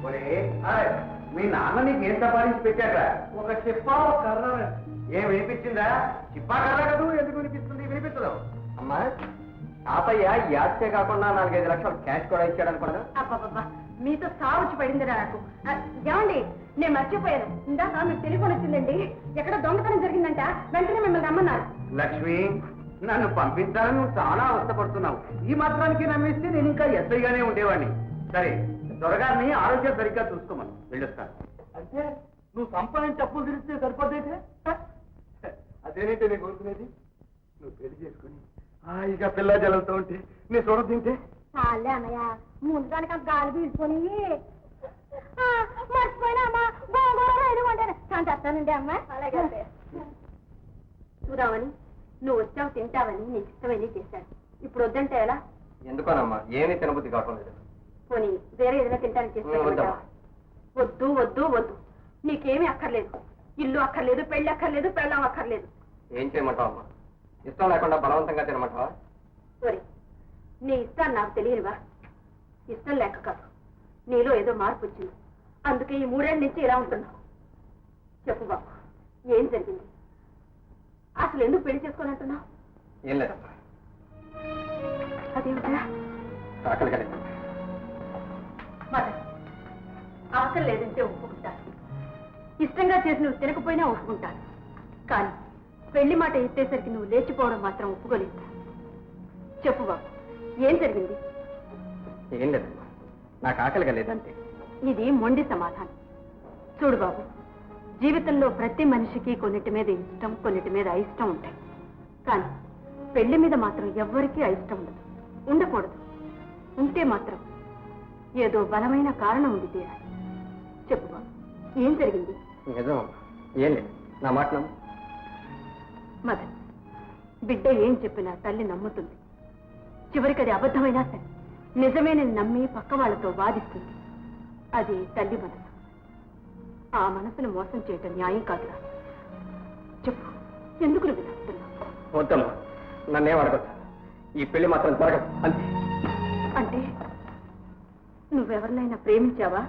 మీ నాన్న నీకు ఏం సంపాదించి పెట్టారా? ఒక చిప్పా ఒక కర్ర. ఏం వినిపించిందా? చిప్పా కర్ర కదూ, ఎందుకు వినిపిస్తుంది? వినిపించదు. అమ్మా తాతయ్య ఈ ఆస్తే కాకుండా 4-5 లక్షలు క్యాష్ కూడా ఇచ్చాడు అనుకున్నా. అబ్బా మీతో సాగుచి పడిందిరా నాకు. ఏమండి, నేను మర్చిపోయాను. ఇందాక మీకు టెలిఫోన్ వచ్చిందండి. ఎక్కడ దొంగతనం జరిగిందంట, వెంటనే మిమ్మల్ని రమ్మన్నారు. లక్ష్మి, నన్ను పంపించాలని నువ్వు చాలా అవస్థపడుతున్నావు. ఈ మాత్రానికి నమ్మిస్తే నేను ఇంకా ఎస్ఐగానే ఉండేవాడిని. సరే, త్వరగానే ఆరోగ్యం సరిగ్గా చూసుకోమని వెళ్ళొస్తాను. అంటే నువ్వు సంపాదించి అప్పులు తిరిగితే సరిపోతే? అదేనంటే నేను కోరుకునేది. నువ్వు పెళ్లి చేసుకుని ఇక పిల్ల జలంతో ఉంటే నేను చూడ తింటే చాలే అన్నయ్య, ముందు దానికి గాలి పీల్చుకొని మర్చిపోయినా అమ్మా. చాలా చెప్తానండి అమ్మా. అలాగే చూద్దామని నువ్వు వచ్చావు, తింటావని నీకు ఇష్టమని చేశాను. ఇప్పుడు వద్దంటే ఎలా? ఎందుకోనమ్మా, ఏమీ తినబుద్ధి కావట్లేదు. పోనీ వేరే ఏదైనా తింటానికి చేస్తాను. వద్దు వద్దు వద్దు, నీకేమీ అక్కర్లేదు. ఇల్లు అక్కర్లేదు, పెళ్లి అక్కర్లేదు, పెళ్ళం అక్కర్లేదు. ఏం చేయమంటావు అమ్మా? ఇష్టం లేకుండా బలవంతంగా తినమంటావా? సరే, నీ ఇష్టాన్ని నాకు తెలియనివా? ఇష్టం లేక కాదు, నీలో ఏదో మార్పు వచ్చింది. అందుకే ఈ 3 ఏళ్ళ నుంచి ఇలా ఉంటున్నావు. చెప్పు బాబు, ఏం జరిగింది? అసలు ఎందుకు పెళ్లి చేసుకొని అంటున్నావు? ఏం లేదమ్మా. అదేమిటా? ఆకలి కలిగింది. మదర్, ఆకలి లేదంటే ఒప్పుకుంటాను. ఇష్టంగా చేసి నువ్వు తినకపోయినా ఒప్పుకుంటాను. కానీ పెళ్లి మాట ఎత్తేసరికి నువ్వు లేచిపోవడం మాత్రం ఒప్పుకోలేదు. చెప్పు బాబు, ఏం జరిగింది? ఏం లేదమ్మా, నాకు ఆకలిగా లేదంటే. ఇది మొండి సమాధానం. చూడు బాబు, జీవితంలో ప్రతి మనిషికి కొన్నిటి మీద ఇష్టం, కొన్నిటి మీద అయిష్టం ఉంటాయి. కానీ పెళ్లి మీద మాత్రం ఎవ్వరికీ అయిష్టం ఉండదు, ఉండకూడదు. ఉంటే మాత్రం ఏదో బలమైన కారణం ఉంది తీరాలి. చెప్పు బాబు, ఏం జరిగింది? నిజమమ్మా, ఏం లేదు, నా మాట నమ్ము. మదన్, బిడ్డ ఏం చెప్పినా తల్లి నమ్ముతుంది. చివరికి అది అబద్ధమైనా సరే నిజమేనని నమ్మి పక్క వాళ్ళతో వాదిస్తుంది. అది తల్లి మనసు. ఆ మనసును మోసం చేయటం న్యాయం కాదురా. చెప్పు, ఎందుకు నువ్వు నమ్ముతున్నావు? వద్దమ్మా, నన్నేం అడగొద్దు. ఈ పెళ్లి మాత్రం జరగదు అంతే. అంటే నువ్వెవరినైనా ప్రేమించావా?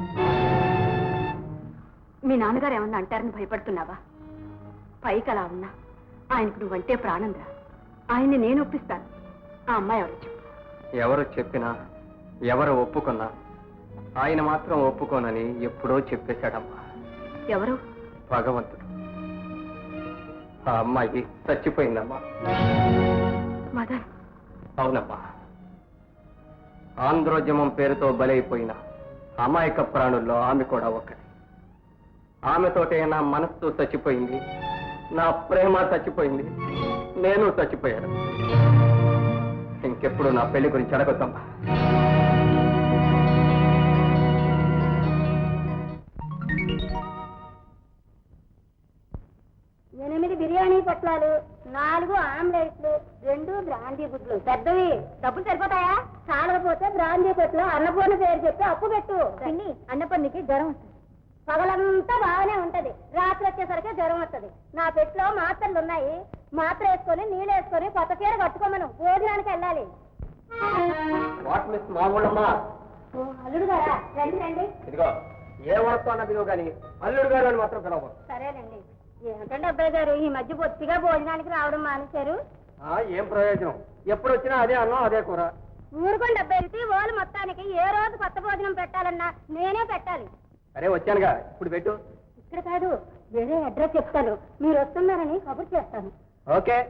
మీ నాన్నగారు ఏమన్నా అంటారని భయపడుతున్నావా? పైకి అలా ఉన్నా ఆయనకు నువ్వంటే ప్రాణం రా. ఆయన్ని నేను ఒప్పిస్తాను. ఆ అమ్మాయి ఎవరు చెప్పు. ఎవరు చెప్పినా, ఎవరు ఒప్పుకున్నా ఆయన మాత్రం ఒప్పుకోనని ఎప్పుడో చెప్పేశాడమ్మా. ఎవరు? భగవంతుడు. ఆ అమ్మాయి చచ్చిపోయిందమ్మా. మదన్. అవునమ్మా, ఆంధ్రోద్యమం పేరుతో బలైపోయిన అమాయక ప్రాణుల్లో ఆమె కూడా ఒకటి. ఆమెతోటే నా మనస్సు చచ్చిపోయింది, నా ప్రేమ చచ్చిపోయింది, నేను చచ్చిపోయాను. ఇంకెప్పుడు నా పెళ్లి గురించి అడగొద్దమ్మా. ఎనిమిది బిర్యానీ పొట్లాలు, 4 ఆమ్లెట్లు, 2 బ్రాందీ గుడ్లు. పెద్దవి. డబ్బులు సరిపోతాయా? చాలకపోతే బ్రాందీ పొట్లు అన్నపూర్ణ పేరు చెప్పి అప్పు పెట్టు. అన్నపూర్ణకి జ్వరం వస్తుంది. పగలంతా బాగానే ఉంటది, రాత్రి వచ్చేసరికి జ్వరం వస్తుంది. నా పెట్లో మాత్రలు ఉన్నాయి. మాత్ర వేసుకొని నీళ్ళు వేసుకొని కొత్త చీర కట్టుకోమను. భోజనానికి వెళ్ళాలి. అల్లుడు గారా? రండి రండి. ఇదిగో, ఏ వరతో అన్నదిగో కానీ అల్లుడు గారు అని మాత్రం పిలవ. సరేనండి. ఏమిటండి అబ్బాయి గారు, ఈ మధ్య బొత్తిగా భోజనానికి రావడం మానేశారు? ఏం ప్రయోజనం? ఎప్పుడు వచ్చినా అదే అన్నం, అదే కూర. ఊరుకోండి అబ్బాయి. వాళ్ళు మొత్తానికి ఏ రోజు కొత్త భోజనం పెట్టాలన్నా నేనే పెట్టాలి. అరే వచ్చానుగా, ఇప్పుడు పెట్టు. ఇక్కడ కాదు, వేరే అడ్రస్ చెప్తాను. మీరు వస్తున్నారని కబుర్ చేస్తాను. ఓకే.